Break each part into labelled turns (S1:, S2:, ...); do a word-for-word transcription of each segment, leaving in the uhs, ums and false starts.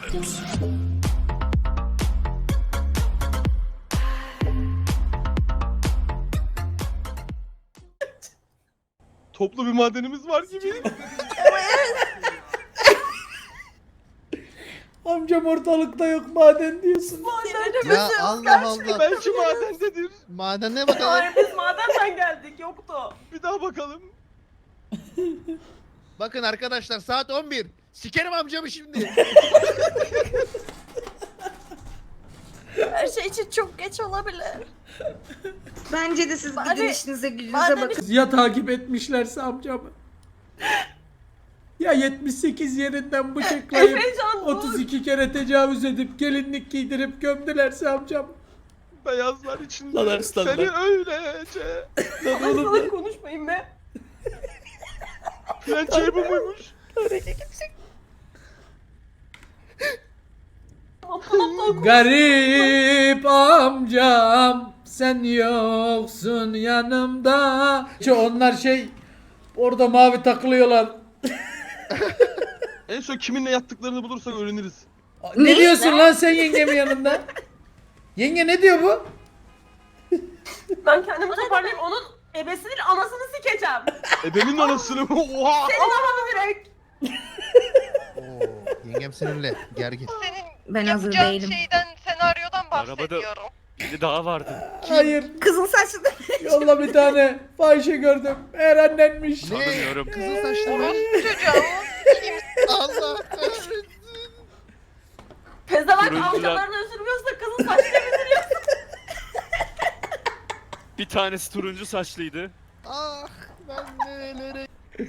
S1: Toplu bir madenimiz var gibi.
S2: Amcam ortalıkta yok maden diyorsun.
S3: Ya Allah Allah.
S1: Belki madendedir.
S3: Madene bakalım.
S4: Hayır biz madenden geldik yoktu.
S1: Bir daha bakalım.
S3: Bakın arkadaşlar saat on bir. Sikerim amcamı şimdi.
S4: Her şey için çok geç olabilir.
S5: Bence de siz
S4: Bari-
S5: gidin işinize gücünüze
S4: bari-
S5: bakın.
S2: Ya takip etmişlerse amcamı. Ya yetmiş sekiz yerinden bıçaklayıp
S4: Efecan dur.
S2: otuz iki kere tecavüz edip gelinlik giydirip gömdülerse amcam.
S1: Beyazlar içinde.
S2: Lan Arslanlar.
S1: Seni öylece.
S2: Lan
S4: Ay
S2: oğlum
S4: sana konuşmayın be.
S1: Pençeyi bu muymuş?
S4: Aptal aptal
S2: garip amcam sen yoksun yanımda. Şu onlar şey orada mavi takılıyorlar.
S1: En son kiminle yattıklarını bulursak öğreniriz.
S2: Ne, diyorsun lan sen yengemin yanında? Yenge ne diyor bu?
S4: Ben kendimi toparlayayım onun ebesinin anasını sikeceğim.
S1: Ebemin anasını mı? Oha!
S4: Senin ananı direkt.
S3: Oo, yengem sinirli. Gergin.
S5: Ben hazır
S6: Yapacağın
S5: değilim.
S6: şeyden, senaryodan
S7: Arabada-
S6: bahsediyorum.
S7: Biri daha vardı.
S2: Hayır.
S5: Kızıl saçlı da
S2: Yolla bir tane fahişe gördüm. Eğer annenmiş.
S7: Tanımıyorum.
S3: Kızıl saçlı mı?
S6: Çocuğum.
S3: Allah kahretsin.
S4: Pezevenk
S7: Turuncular-
S4: amcalarını üzülmüyorsa kızın saçını üzülüyorsa.
S7: Bir tanesi turuncu saçlıydı.
S3: Ah ben nelere...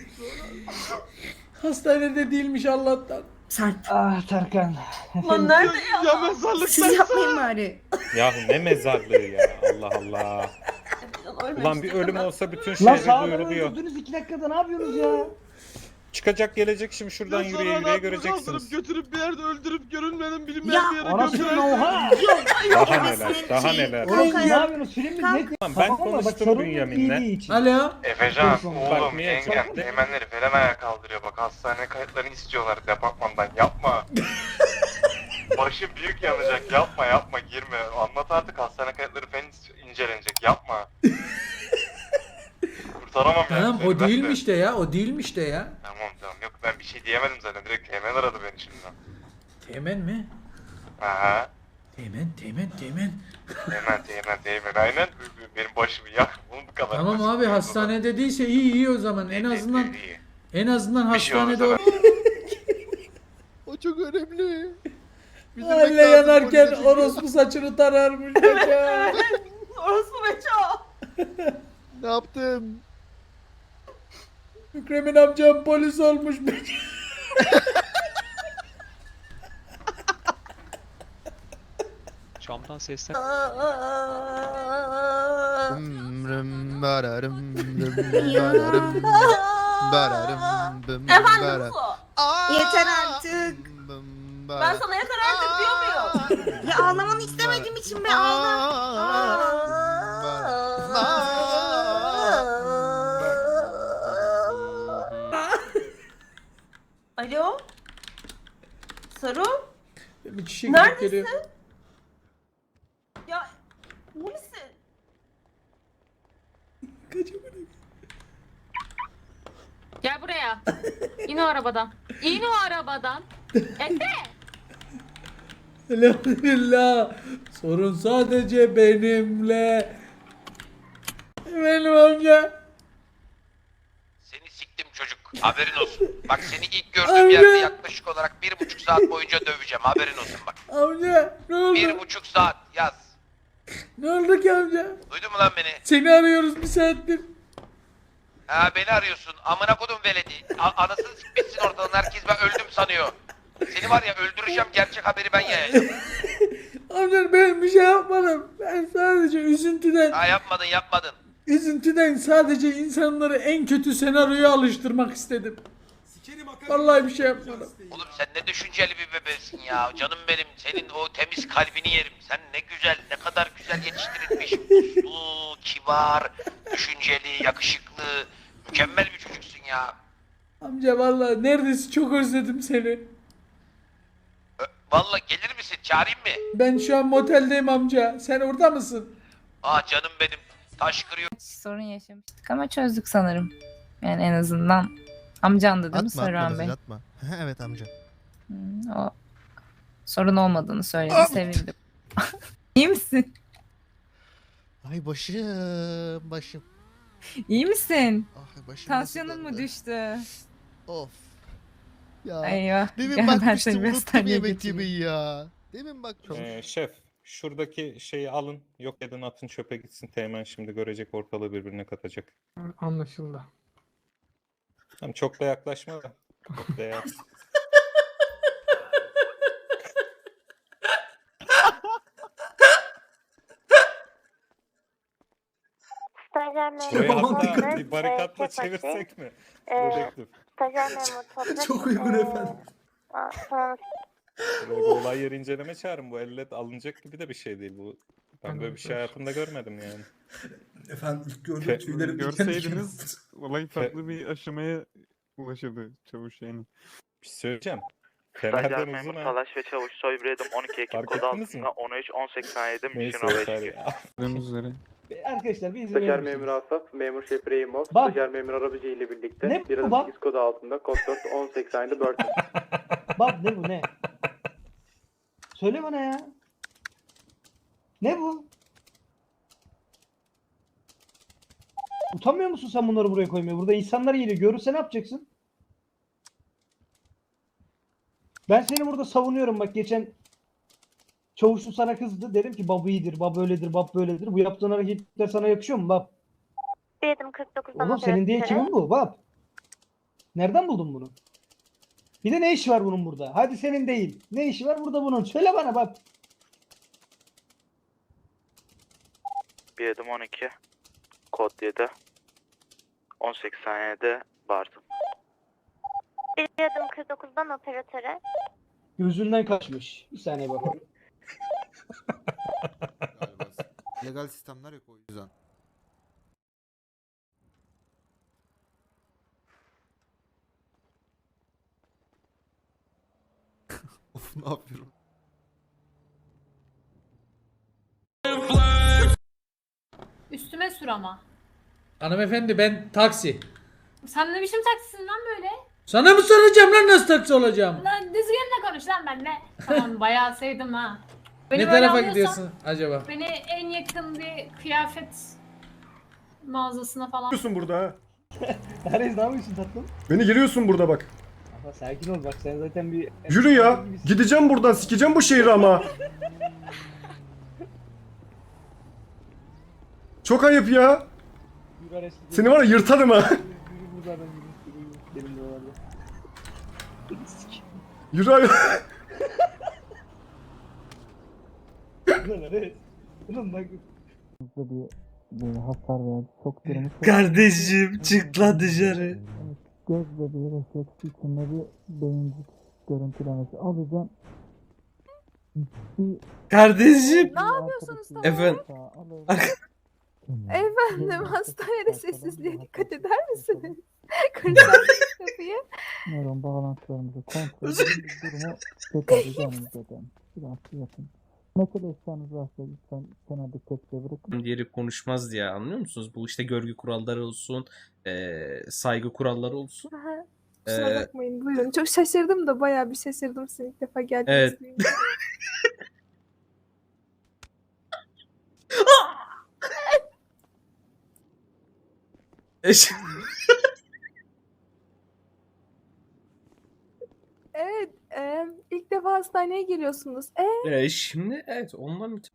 S2: Hastanede değilmiş Allah'tan.
S5: Sarp.
S8: Ah Tarkan.
S4: Lan nerede
S1: Ya,
S4: ya?
S1: ya mezarlıkta.
S5: Siz yapmayın bari.
S9: Yahu ne mezarlığı ya Allah Allah.
S4: Efecan ölmemiştir
S9: Ulan bir ölüm
S4: değil mi?
S9: olsa bütün
S8: Lan
S9: şehre
S8: sağ
S9: duyuruluyor.
S8: öldürdünüz iki dakikada ne yapıyorsunuz ya?
S9: Çıkacak gelecek şimdi şuradan
S1: Ya
S9: yürüye
S1: sonra
S9: yürüye
S1: adamı
S9: göreceksiniz.
S1: kaldırıp götürüp bir yerde öldürüp görünmeyen bilinmeyen
S5: Ya,
S1: bir yere
S8: Anasını
S1: götürersin.
S8: oha.
S9: Daha
S5: Ebesinin
S9: neler daha
S5: şeyi-
S9: neler.
S8: Oğlum
S5: Kalk
S8: ne
S5: ayağa.
S8: yapıyorsunuz? Film mi?
S5: Kalk.
S8: Ne?
S9: Tamam, ben
S8: Tamam mı? Bak,
S9: konuştum
S8: sorun
S9: Bünyamin'le.
S8: iyiliği için.
S2: Alo.
S10: Efecan,
S8: Bak,
S10: oğlum,
S9: niye
S10: yengem,
S9: çok-
S10: teğmenleri falan ayağa kaldırıyor. Bak hastane kayıtlarını istiyorlar departmandan. Yapma. Başım büyük yanacak. Yapma, yapma, girme. Anlat artık, hastane kayıtları falan incelenecek. Yapma. Kurtaramam yani.
S2: Tamam
S10: seni,
S2: o
S10: ben de.
S2: değilmiş de ya. O değilmiş de ya.
S10: Tamam tamam, yok ben bir şey diyemedim zaten. Direkt teğmen aradı beni şimdi.
S2: Teğmen mi?
S10: Aha.
S2: Teğmen, teğmen, teğmen.
S10: Teğmen, teğmen, teğmen. Aynen. Benim başımı yak. Bunu bu kadar.
S2: Tamam
S10: basit.
S2: abi hastanede değilse iyi iyi o zaman. En
S10: İyi,
S2: azından
S10: iyi, iyi.
S2: en azından
S10: Bir şey
S2: hastanede
S10: olursa
S2: o.
S3: O çok önemli. Bizim
S2: Aile
S3: bekle artık
S2: yanarken
S3: polise çünkü.
S2: orospu saçını tararmış çocuğa.
S4: Orası Beça.
S3: Ne yaptım?
S2: Mükremin amcam polis olmuş.
S7: Camdan sesler.
S3: Ömrüm bararım bım bararım bararım bım
S4: Efendim
S3: bararım.
S4: Su.
S5: Yeter artık.
S3: Bım
S4: Ben
S3: bararım.
S4: sana yeter artık diyor muyum?
S5: Ya ağlamanı istemediğim için be ağla.
S4: Alo? Saru?
S2: Bir çiçek
S4: Neredesin?
S2: geliyor.
S4: Ya iyi misin?
S11: Gel buraya. İn o arabadan. İn o arabadan. Efe.
S2: Elhamdülillah. Sorun sadece benimle. Benim amca.
S10: Seni siktim çocuk. Haberin olsun. Bak seni ilk gördüğüm
S2: Amca.
S10: yerde yaklaşık olarak bir buçuk saat boyunca döveceğim. Haberin olsun bak.
S2: Amca ne oldu?
S10: Bir buçuk saat yaz.
S2: Ne oldu ki amca?
S10: Duydun mu lan beni?
S2: Seni arıyoruz bir saattir.
S10: Ha beni arıyorsun. Amına kodum veledi. A- anasını sikmişsin ortadan. Herkes ben öldüm sanıyor. Seni var ya öldüreceğim. Gerçek haberi ben yayacağım.
S2: Amca ben bir şey yapmadım. Ben sadece üzüntüden,
S10: Ha yapmadın yapmadın.
S2: üzüntüden sadece insanları en kötü senaryoya alıştırmak istedim. Vallahi bir şey yapmadım.
S10: Oğlum sen ne düşünceli bir bebesin ya. Canım benim. Senin o temiz kalbini yerim. Sen ne güzel, ne kadar güzel yetiştirilmiş. Uslu, kibar, düşünceli, yakışıklı. Mükemmel bir çocuksun ya.
S2: Amca vallahi neredeyse çok özledim seni.
S10: Ö- Vallahi gelir misin? Çağırayım mı?
S2: Ben şu an moteldeyim amca. Sen orada mısın?
S10: Aa canım benim. Taş kırıyor.
S4: Sorun yaşamıştık ama çözdük sanırım. Yani en azından amcandı değil mi Saruhan Bey?
S3: atma. Evet amca.
S4: Hmm, o sorun olmadığını söyledi. Sevindim. İyi misin?
S3: Ay başım başım.
S4: İyi misin?
S3: Ah başım.
S4: Tansiyonun
S3: nasıl
S4: mu
S3: döndü?
S4: düştü?
S3: Of. Ya.
S4: Eyvah.
S3: Demin
S4: Gel ben
S3: bakmıştım
S4: seni bir
S3: unuttum
S4: hastaneye
S3: yemek
S4: götüreyim.
S3: yemeyi ya. Demin bakmıştım.
S9: Ee, şef şuradaki şeyi alın. Yok edin atın çöpe gitsin. Teğmen şimdi görecek ortalığı birbirine katacak.
S2: Anlaşıldı.
S9: Tamam çok da yaklaşma da. Çok da yak-
S5: Stajyer
S9: Burayı
S5: memur
S9: hatta
S5: Toprak,
S9: bir barikatla
S5: e, Kepaçi,
S9: çevirsek mi?
S5: e,
S9: Dedektif.
S5: Stajyer memur Toprak.
S2: Çok uygun
S5: e,
S2: efendim.
S5: a- Sonra
S9: Buraya bir olay yeri inceleme çağırın. Bu elle alınacak gibi de bir şey değil bu. Ben böyle bir şey hayatımda görmedim yani.
S2: Efendim ilk gördüğüm
S9: Fe-
S2: tüylerim diken diken
S1: Görseydiniz
S2: oldu.
S1: olay farklı bir aşamaya ulaşırdı çavuş yani.
S9: Bir şey söyleyeceğim. Fener'den uzun ha.
S6: Salaş ve Çavuş Soybriyedim on iki ekip
S9: Fark
S6: kodu
S9: ettiniz mi?
S6: altında on üç on seksen yedi
S9: Neyse
S6: Mission
S9: yeter
S6: beş.
S9: ya.
S1: Gördüğünüz üzere.
S8: Arkadaşlar bir izin
S6: Stajyer
S8: verir
S6: memur
S8: misiniz?
S6: Asaf, memur şef Reyimov,
S8: Bak.
S6: stajyer memur arabacı ile birlikte
S8: Ne
S6: bir
S8: bu
S6: adım
S8: bak?
S6: sekiz kodu altında kod dört on seksen yedi Burton.
S8: Bak ne bu ne? Söyle bana ya. Ne bu? Utanmıyor musun sen bunları buraya koymaya? Burada insanlar geliyor. Görürse ne yapacaksın? Ben seni burada savunuyorum. Bak geçen çavuşlu sana kızdı. Dedim ki bab iyidir, bab öyledir, bab böyledir. Bu yaptığın hareketler sana yakışıyor mu bab?
S5: bir adım kırk dokuzdan
S8: Oğlum senin diye
S5: operatöre.
S8: kimin bu bab? Nereden buldun bunu? Bir de ne işi var bunun burada? Hadi senin değil. Ne işi var burada bunun? Söyle bana bab.
S6: bir adım on iki kod yedi on seksen yedi Barton.
S5: bir adım kırk dokuzdan operatöre.
S8: Gözünden kaçmış. Bir saniye bakalım.
S3: Legal sistemler yok o yüzden. Of ne yapıyorum?
S11: Üstüme sür ama.
S2: Hanımefendi ben taksi.
S11: Sen ne biçim taksisin lan böyle?
S2: Sana mı soracağım lan nasıl taksi olacağım?
S11: Lan düzgünle konuş lan benimle. Tamam bayağı sevdim ha. Beni
S2: Ne
S11: böyle
S2: tarafa
S11: alıyorsan,
S2: gidiyorsun acaba?
S11: Beni en yakın bir kıyafet mağazasına falan.
S12: burada ha.
S8: Neredeyiz ne yapıyorsun tatlım?
S12: Beni geliyorsun burada bak.
S8: Ama sakin ol bak sen zaten bir...
S12: Yürü ya. Gideceğim buradan. Sikeceğim bu şehri ama. Çok ayıp ya.
S8: Yürü Ares, yürü.
S12: Seni var ya yırtarım ha.
S8: Yürü, yürü buradan yürü. Yürü, yürü. Benim de oralarda.
S12: Yürü ay-
S8: Ulan Ares. Ulan bak.
S2: Kardeşim çık lan dışarı.
S8: Göz bebeği refleksi içinde bir beyincik görüntülemesi alacağım.
S2: Kardeşim.
S4: Ne yapıyorsunuz tamam?
S2: Efendim.
S4: Efendim hastanede sessizliğe dikkat eder misiniz? Kıracağım kapıyı.
S8: Nöron bağlantılarımızı kontrol edin. Durumu tekrarlayacağım zaten. Biraz yapın. Mesele işleriniz varsa lütfen kenarda tepkiye bırakın.
S13: Diğeri konuşmaz diye anlıyor musunuz? Bu işte görgü kuralları olsun, eee, saygı kuralları olsun.
S4: Aha, Kusura
S13: Ee,
S4: bakmayın buyurun. Çok şaşırdım da bayağı bir şaşırdım sizin ilk defa geldiniz.
S13: Evet.
S4: duyunca.
S13: Eş-
S4: Evet, e, ilk defa hastaneye geliyorsunuz. E,
S13: Eee, şimdi evet ondan müte-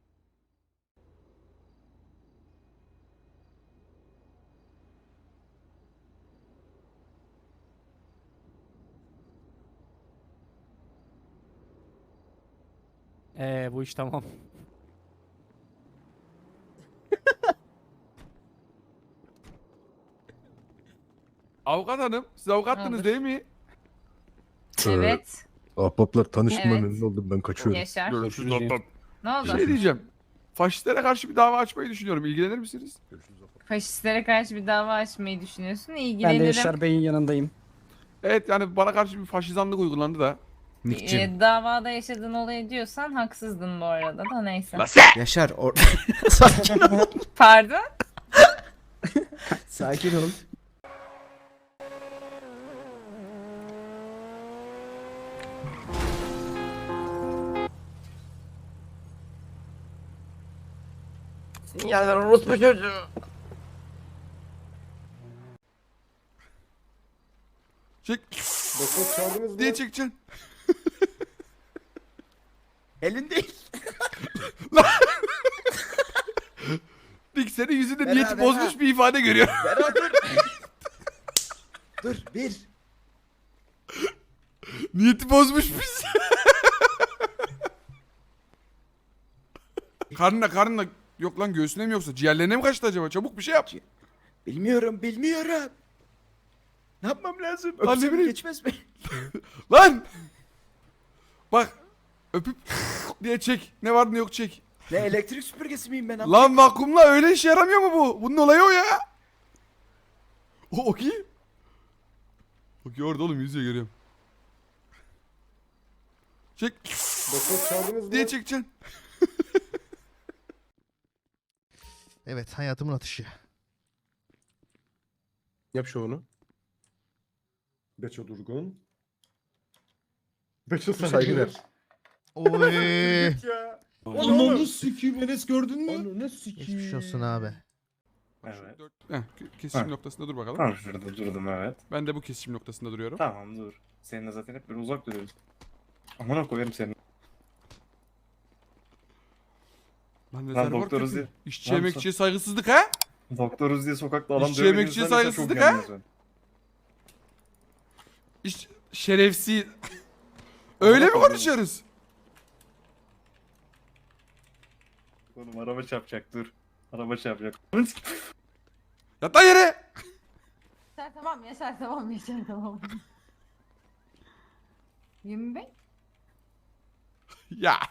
S7: Eee bu iş tamam.
S1: Avukat hanım, siz avukattınız
S4: Olur.
S1: değil mi?
S4: evet.
S12: Ahbaplar tanışma
S4: Evet.
S12: memnun oldum ben kaçıyorum.
S4: Yaşar.
S1: Görüşürüz aslan.
S4: Ne oldu?
S1: Şey diyeceğim. Faşistlere karşı bir dava açmayı düşünüyorum. İlgilenir misiniz?
S4: Faşistlere karşı bir dava açmayı düşünüyorsun. İlgilenirim.
S8: Bey'in yanındayım.
S1: Evet yani bana karşı bir faşizanlık uygulandı da.
S12: Nick'cim.
S4: Ee, davada yaşadığın olayı diyorsan haksızdın bu arada da neyse.
S13: Yaşar or
S12: Sakin ol.
S4: Pardon?
S12: Sakin ol.
S7: Sinyal ver orospu çocuğu.
S1: Çek.
S12: Doktor çağırdınız
S1: diye çekeceksin.
S7: Elin değil.
S1: Nick senin yüzünde
S7: Bera,
S1: niyeti
S7: bera.
S1: bozmuş bir ifade görüyor.
S7: Berat dur. Dur bir.
S1: Niyeti bozmuş biz. karnına karnına yok lan göğsüne mi yoksa ciğerlerine mi kaçtı acaba? Çabuk bir şey yap.
S7: Bilmiyorum bilmiyorum. Ne yapmam lazım?
S1: Lan ne
S7: Öpsem
S1: bileyim.
S7: geçmez mi?
S1: Lan! Bak öpüp diye çek. Ne var ne yok çek.
S7: Ne elektrik süpürgesi miyim ben?
S1: Lan vakumla öyle işe yaramıyor mu bu? Bunun olayı o ya. O okey. Okey orada oğlum yüzüyor görüyorum. Çek.
S12: Doktor çağırdınız
S1: diye çekeceksin.
S3: Evet hayatımın atışı.
S12: Yap şovunu. Beço Durgun. Beço saygılar.
S3: Oy.
S12: Ya.
S3: Onu sikiyim Enes gördün mü?
S12: Onu sikiyim.
S3: Geçmiş olsun abi.
S12: Evet.
S1: Heh, kesişim noktasında dur bakalım.
S12: Tamam şurada durdum evet.
S1: Ben de bu kesişim noktasında duruyorum.
S12: Tamam dur. Seninle zaten hep böyle uzak duruyoruz. Amına koyarım seni.
S1: Lan
S12: Lan
S1: rezervuar
S12: doktoruz
S1: kötü.
S12: diye-
S1: İşçi
S12: Lan
S1: emekçiye saygısızlık ha?
S12: Doktoruz diye sokakta adam
S1: İşçi
S12: dövmeni
S1: emekçiye
S12: izlersen çok
S1: saygısızlık ha?
S12: yanıyorsun sen.
S1: İş şerefsiz. Öyle mi
S12: koyayım.
S1: konuşuyoruz?
S12: Oğlum araba çarpacak dur. Araba çarpacak.
S1: Yat lan yere.
S5: Yaşar tamam Yaşar tamam Yaşar tamam. yirmi beş.
S1: Ya.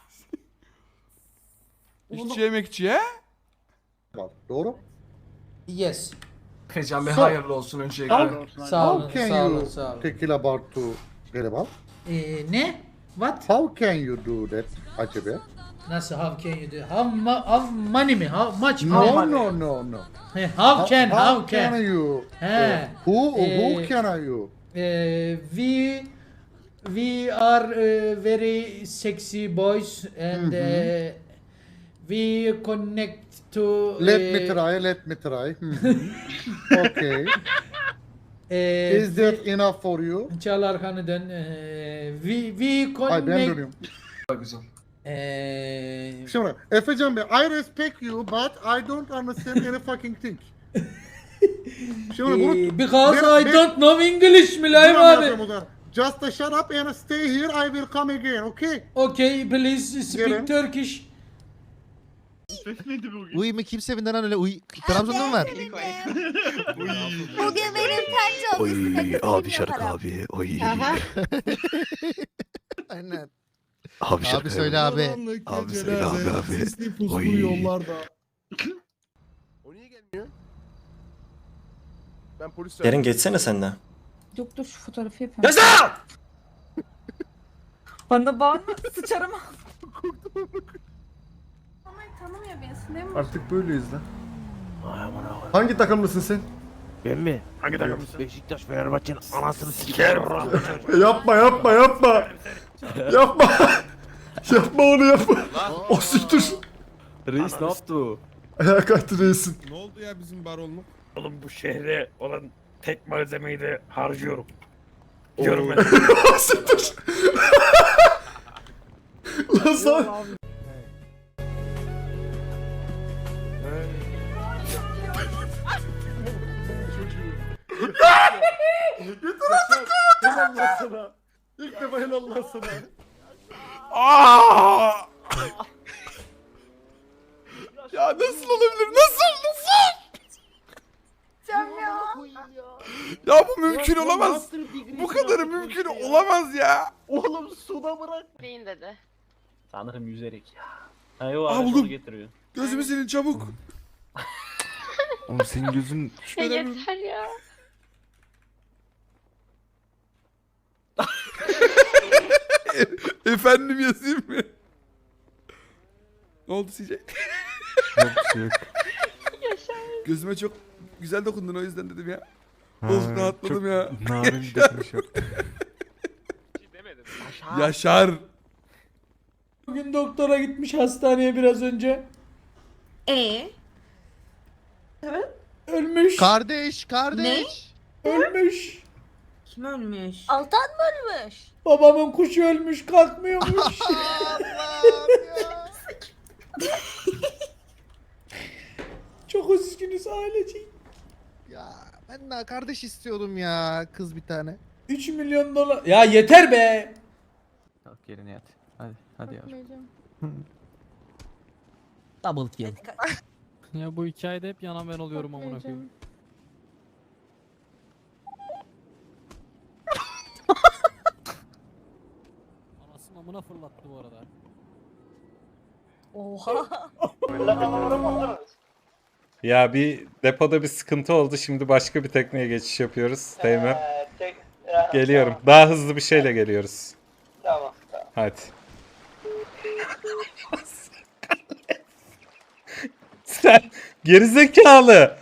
S1: İşçi emekçiye.
S12: Doğru.
S2: Yes.
S1: Can
S12: Bey, hayırlı
S1: olsun öncelikle.
S2: Sağ olun, sağ olun, sağ olun.
S12: Take about to Gariban?
S2: Ee, ne? What?
S12: How can you do that acaba?
S2: Nasıl how can you do? How, ma how money mi? How much
S12: No
S2: money?
S12: no no no.
S2: He, How can, how
S12: can
S2: can?
S12: you?
S2: He.
S12: Who who
S2: Ee,
S12: can you?
S2: Eh, we we are eh, very sexy boys and eh, we connect to
S12: Let
S2: eh,
S12: me try, let me try. Mhm. Okay.
S2: eh,
S12: Is that enough for you?
S2: Çal arkanı dön. Eh, we we connect.
S12: Ay ben dönüyorum.
S2: Eh,
S12: Şimdi Efecan Bey, I respect you but I don't understand any fucking thing. Şimdi bunu
S2: eh, because
S12: Ben-
S2: I
S12: ben-
S2: don't know English
S12: Dur
S2: Mülayim
S12: anlatacağım
S2: abi.
S12: o zaman. Just a shut up and stay here. I will come again, okay?
S2: Okay, please speak
S12: Gelin.
S2: Turkish.
S3: Uy mu kimse evinden lan öyle uy. Trabzon'da mı var?
S5: Bugün benim pencere
S10: Oy abi şarkı abi. Oy.
S3: Aynen.
S10: Abi
S3: Abi söyle abi.
S10: Abi söyle abi abi. Oy.
S12: O niye gelmiyor? Ben polis
S6: Yarın geçsene senden.
S4: Yok dur şu fotoğrafı yapıyorum.
S1: Yaşa!
S4: Bana bağırma sıçarım.
S5: Ama tanımıyor beni değil mi?
S12: Artık böyleyiz lan. Hangi takımlısın sen?
S10: Ben mi? Hangi takımlısın? Beşiktaş Fenerbahçe'nin anasını sikerim.
S12: Yapma yapma yapma. yapma. yapma onu yapma. o siktir.
S1: Reis ne yaptı o?
S12: Ayağa kalktı reisin.
S3: Ne oldu ya bizim baronluk?
S10: Oğlum bu şehre olan tek malzemeyi de harcıyorum. Diyorum ben.
S12: o siktir. Lan sen. Yeter artık. Helal lan sana. İlk defa helal lan sana.
S1: Aa! Ya nasıl olabilir? Nasıl? Nasıl?
S5: Cem ya.
S1: Ya bu mümkün olamaz. Bu kadarı mümkün olamaz ya.
S10: Oğlum suda bırak.
S11: Beyin dedi.
S7: Sanırım yüzerek ya. Ha yo
S1: Aa,
S7: araç
S1: buldum.
S7: onu getiriyor.
S1: Gözümü silin çabuk. Oğlum senin gözün
S11: Yeter ya.
S1: Efendim yazayım mı? Ne oldu C J?
S8: Yok bir şey yok.
S1: Gözüme çok güzel dokundun o yüzden dedim ya. Oh rahatladım ya.
S8: Narin dokunuş yaptı.
S1: Yaşar.
S2: Bugün doktora gitmiş hastaneye biraz önce.
S5: E
S2: Ölmüş.
S3: Kardeş, kardeş.
S2: Ölmüş.
S5: kim ölmüş? Altan mı ölmüş?
S2: Babamın kuşu ölmüş kalkmıyormuş.
S3: Allah'ım ya.
S2: Çok üzgünüz ailecek.
S3: Ya ben daha kardeş istiyordum ya, kız bir tane.
S2: üç milyon dolar. Ya yeter be.
S8: Kalk yerine yat. Hadi hadi yavrum.
S7: Double kill.
S8: Ya bu hikayede hep yanan ben oluyorum amına koyayım. Anasını amına fırlattı bu arada.
S5: Oha.
S9: Ya bir depoda bir sıkıntı oldu. Şimdi başka bir tekneye geçiş yapıyoruz. Teğmen. Geliyorum. Daha hızlı bir şeyle geliyoruz.
S10: Tamam.
S9: Hadi. Sen gerizekalı.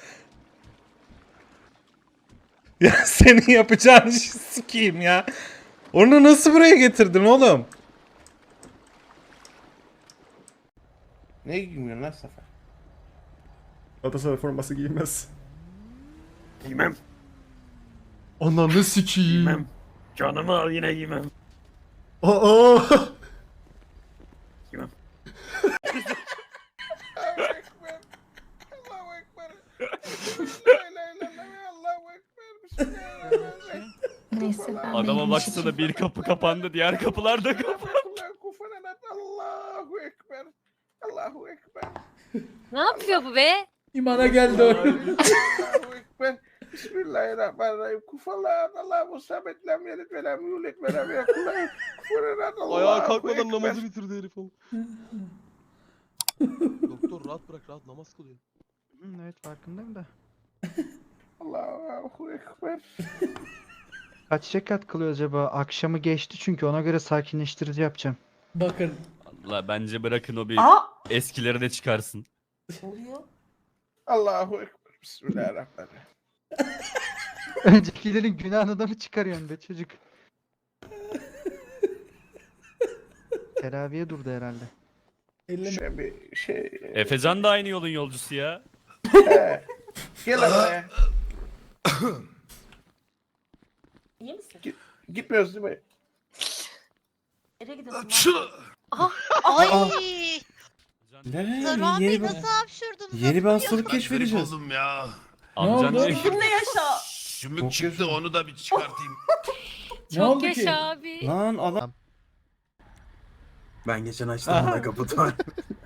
S9: Ya senin yapacağın işi sikeyim ya. Onu nasıl buraya getirdin oğlum?
S12: Ne giymiyorsun lan Sefer?
S1: Galatasaray forması giymez.
S7: Giymem.
S1: Ananı sikeyim.
S7: Giymem. Canımı al yine giymem.
S1: Aa!
S7: Giymem.
S4: Neyse ben
S7: Adama
S4: benim
S7: baksana,
S4: için-
S7: bir kapı kapandı, diğer kapılar da kapandı.
S12: Allahu Ekber. Allahu Ekber.
S5: Ne yapıyor bu be?
S2: İmana geldi o.
S12: Allahu Ekber. Bismillahirrahmanirrahim. Kufalan Allahu samet lem yelid ve lem yulid ve lem yekun lehu kufuven ahad.
S3: Ayağa kalkmadan
S12: Allahu
S3: namazı
S12: Ekber.
S3: bitirdi herif oğlum. Doktor rahat bırak, rahat namaz kılıyor.
S8: Evet farkındayım da.
S12: Allahu Ekber.
S8: Kaç rekat kılıyor acaba? Akşamı geçti çünkü ona göre sakinleştirici yapacağım.
S2: Bakın.
S7: Allah, bence bırakın o bir
S5: Aa.
S7: eskileri de çıkarsın.
S5: Ne oluyor?
S12: Allahu Ekber. Bismillahirrahmanirrahim.
S8: Öncekilerin günahını da mı çıkarıyorsun be çocuk? Teraviye durdu herhalde.
S12: Şöyle bir şey.
S7: Efecan da aynı yolun yolcusu ya.
S12: He. Gel buraya.
S5: İyi misin?
S12: Gitmiyoruz değil mi?
S5: Nereye gidiyorsun?
S3: Ay!
S12: Ne? Yeni bir, yeni bir hastalık keşfedeceğiz.
S10: Oldum ya.
S7: Amcan
S2: oldu?
S7: diyor ki,
S5: Kimle yaşa?
S10: Şümük çıktı, onu da bir çıkartayım.
S2: Ne oldu ki?
S5: abi.
S12: Lan adam.
S3: Ben geçen açtım ona kaputu.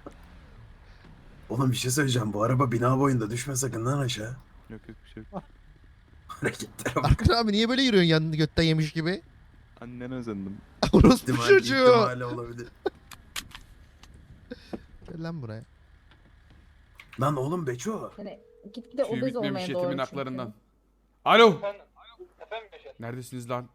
S3: Oğlum bir şey söyleyeceğim. Bu araba bina boyunda, düşme sakın lan aşağı.
S8: Yok yok bir şey yok.
S3: Hareketlere bak.
S14: Arkın abi niye böyle yürüyorsun yanını götten yemiş gibi?
S8: Annene özendim.
S14: Orospu
S3: İhtimal-
S14: çocuğu.
S3: ihtimali olabilir.
S14: Gel lan buraya.
S3: Lan oğlum Beço.
S5: Yani gitgide
S1: Tüy
S5: obez
S1: bitmemiş
S5: olmaya doğru
S1: yetimin
S5: çünkü.
S1: haklarından. Alo.
S10: Efendim, efendim Yaşar.
S1: Neredesiniz lan?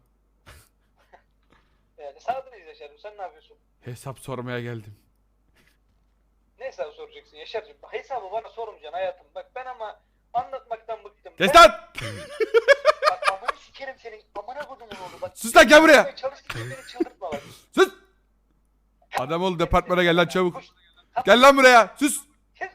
S10: Yani sağdayız Yaşar'ım, sen ne yapıyorsun?
S1: Hesap sormaya geldim.
S10: Ne hesabı soracaksın Yaşar'cığım? Hesabı bana sormayacaksın hayatım. Bak ben ama anlatmaktan bıktım.
S1: Kes
S10: Ben-
S1: lan!
S10: Bak amanı sikerim senin. Amına kodumun oğlu bak.
S1: Sus lan, gel buraya!
S10: Çalıştıkça beni çıldırtma bak.
S1: Sus! Adam ol, departmana gel lan çabuk. Gel lan buraya. Sus.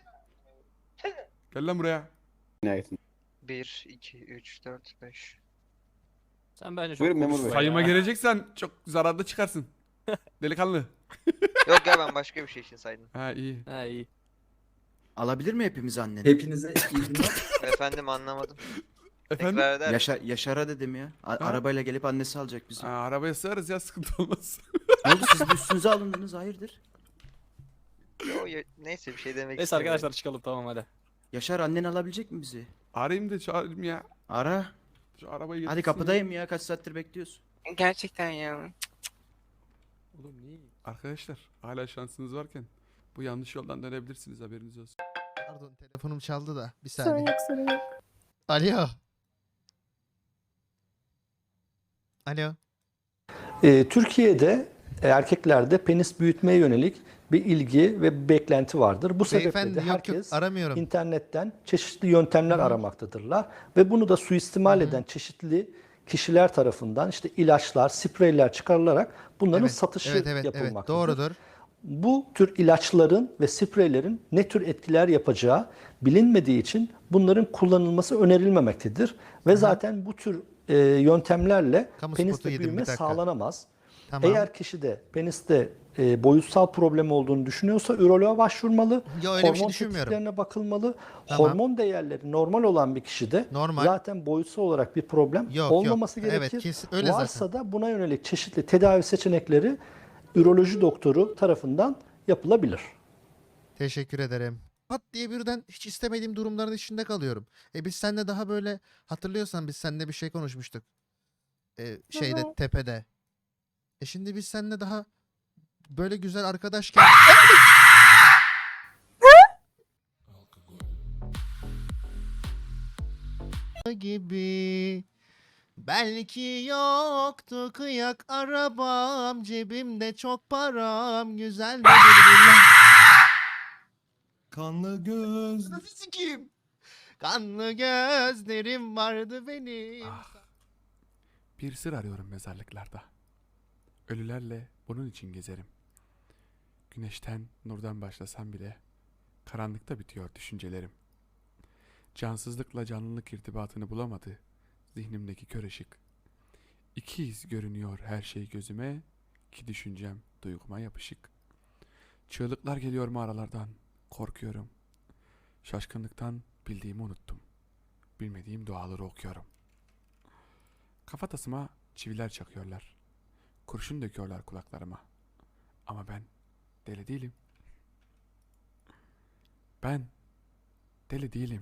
S1: Gel lan buraya.
S6: bir, iki, üç, dört, beş.
S7: sen bence çok
S12: Buyurun memur
S7: konuşma
S12: bey.
S7: ya.
S1: Sayıma geleceksen çok zararlı çıkarsın. Delikanlı.
S6: Yok ya, ben başka bir şey için saydım.
S1: Ha iyi.
S7: Ha iyi.
S3: Alabilir mi hepimiz anneni?
S12: Hepinize iyi günler.
S6: Efendim anlamadım.
S1: Efendim?
S6: Tekrar eder misin?
S3: Yaşa, Yaşar'a dedim ya. A-
S1: Ha?
S3: arabayla gelip annesi alacak bizi.
S1: Ha, arabaya sığarız ya, sıkıntı olmaz.
S3: Ne oldu, siz de üstünüze alındınız, hayırdır?
S6: Yo, ya- neyse bir şey demek
S7: Neyse
S6: istemiyorum.
S7: arkadaşlar çıkalım, tamam hadi.
S3: Yaşar annen alabilecek mi bizi?
S1: Arayayım da çağırayım ya.
S3: Ara.
S1: Şu arabayı
S3: Hadi
S1: getirsin.
S3: kapıdayım ya, kaç saattir bekliyorsun.
S6: Gerçekten ya.
S1: Oğlum niye? Arkadaşlar hala şansınız varken bu yanlış yoldan dönebilirsiniz, haberiniz olsun.
S14: Pardon telefonum çaldı da bir
S5: Sorun
S14: saniye.
S5: yok sorun yok.
S14: Alo. Alo.
S12: Ee, Türkiye'de
S8: erkeklerde penis büyütmeye yönelik bir ilgi ve bir beklenti vardır. Bu sebeple
S14: Beyefendi,
S8: de
S14: yok, yok,
S8: herkes
S14: aramıyorum.
S8: internetten çeşitli yöntemler aramaktadırlar ve bunu da suistimal eden çeşitli kişiler tarafından işte ilaçlar, spreyler çıkarılarak bunların
S14: Evet,
S8: satışı
S14: evet, evet, evet,
S8: yapılmaktadır.
S14: doğrudur.
S8: Bu tür ilaçların ve spreylerin ne tür etkiler yapacağı bilinmediği için bunların kullanılması önerilmemektedir. Ve zaten bu tür e, yöntemlerle
S14: Kamu spotu
S8: peniste
S14: yedim,
S8: büyüme
S14: bir dakika.
S8: sağlanamaz.
S14: Tamam.
S8: Eğer kişide peniste e, boyutsal problem olduğunu düşünüyorsa üroloğa başvurmalı.
S14: Yo, öyle bir şey
S8: hormon
S14: düşünmüyorum.
S8: tetiklerine bakılmalı.
S14: Tamam.
S8: Hormon değerleri normal olan bir kişide
S14: Normal.
S8: zaten boyutsal olarak bir problem
S14: Yok, yok.
S8: olmaması
S14: Evet,
S8: gerekir.
S14: kesin- öyle
S8: Varsa
S14: zaten.
S8: da buna yönelik çeşitli tedavi seçenekleri üroloji doktoru tarafından yapılabilir.
S14: Teşekkür ederim. Pat diye birden hiç istemediğim durumların içinde kalıyorum. E biz seninle daha böyle, hatırlıyorsan biz seninle bir şey konuşmuştuk. E, şeyde,
S4: hı.
S14: tepede. E şimdi biz seninle daha böyle güzel arkadaşken... gibi. Belki yoktu kıyak arabam, cebimde çok param, güzel bir Kanlı göz... Nasıl sikeyim? Kanlı gözlerim vardı benim.
S1: Bir sır arıyorum mezarlıklarda. Ölülerle bunun için gezerim. Güneşten, nurdan başlasam bile karanlıkta bitiyor düşüncelerim. Cansızlıkla canlılık irtibatını bulamadı zihnimdeki kör ışık. İkiz görünüyor her şey gözüme, ki düşüncem duyguma yapışık. Çığlıklar geliyor mağaralardan, korkuyorum. Şaşkınlıktan bildiğimi unuttum. Bilmediğim duaları okuyorum. Kafatasıma çiviler çakıyorlar. Kurşun döküyorlar kulaklarıma. Ama ben deli değilim. Ben deli değilim.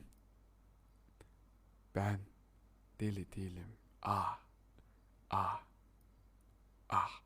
S1: Ben deli değilim. Ah, ah, ah.